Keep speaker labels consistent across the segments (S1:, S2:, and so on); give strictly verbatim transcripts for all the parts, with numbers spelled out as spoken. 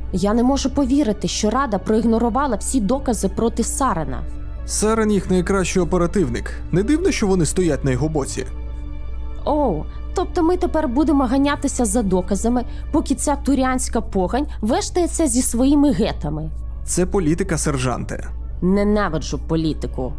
S1: Я не можу повірити, що Рада проігнорувала всі докази проти Сарена.
S2: Сарен їх найкращий оперативник. Не дивно, що вони стоять на його боці.
S1: Оу, тобто ми тепер будемо ганятися за доказами, поки ця турянська погань вештається зі своїми гетами.
S2: Це політика, сержанте.
S1: Ненавиджу політику.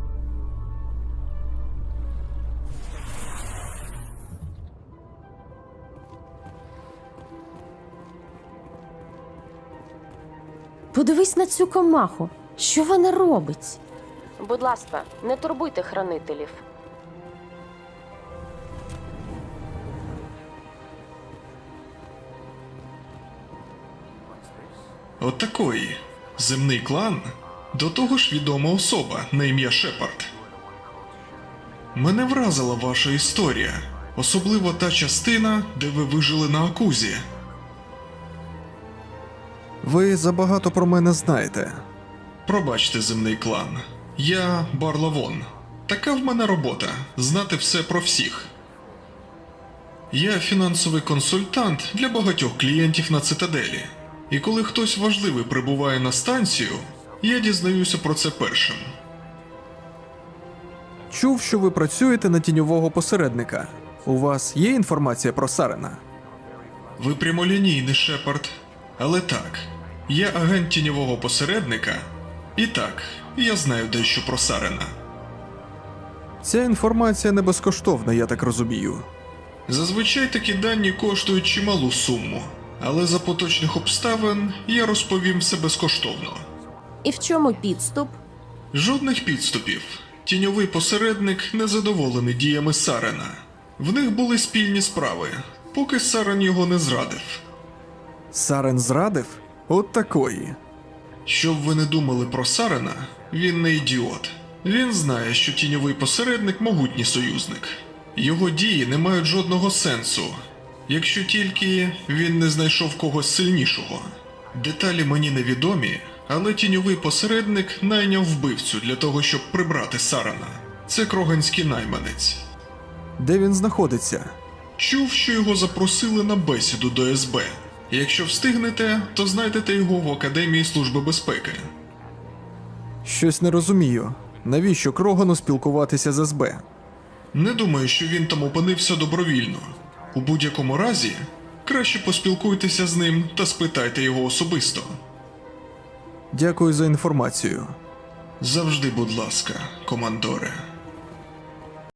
S1: Подивись на цю комаху. Що вона робить? Будь ласка, не турбуйте хранителів.
S3: Отакої. Земний клан? До того ж відома особа на ім'я Шепард. Мене вразила ваша історія. Особливо та частина, де ви вижили на Акузі.
S2: Ви забагато про мене знаєте.
S3: Пробачте, земний клан. Я Барлавон. Така в мене робота – знати все про всіх. Я фінансовий консультант для багатьох клієнтів на Цитаделі. І коли хтось важливий прибуває на станцію, я дізнаюся про це першим.
S2: Чув, що ви працюєте на тіньового посередника. У вас є інформація про Сарена?
S3: Ви прямолінійний, Шепард. Але так, я агент тіньового посередника. І так, я знаю дещо про Сарена.
S2: Ця інформація не безкоштовна, я так розумію.
S3: Зазвичай такі дані коштують чималу суму. Але за поточних обставин я розповім все безкоштовно.
S1: І в чому підступ?
S3: Жодних підступів. Тіньовий посередник незадоволений діями Сарена. В них були спільні справи, поки Сарен його не зрадив.
S2: Сарен зрадив? От такої.
S3: Щоб ви не думали про Сарена, він не ідіот. Він знає, що тіньовий посередник – могутній союзник. Його дії не мають жодного сенсу, якщо тільки він не знайшов когось сильнішого. Деталі мені невідомі, але тіньовий посередник найняв вбивцю для того, щоб прибрати Сарена. Це кроганський найманець.
S2: Де він знаходиться?
S3: Чув, що його запросили на бесіду до ес бе. Якщо встигнете, то знайдете його в Академії Служби безпеки.
S2: Щось не розумію. Навіщо Крогану спілкуватися з ес бе?
S3: Не думаю, що він там опинився добровільно. У будь-якому разі, краще поспілкуйтеся з ним та спитайте його особисто.
S2: Дякую за інформацію.
S3: Завжди, будь ласка, командоре.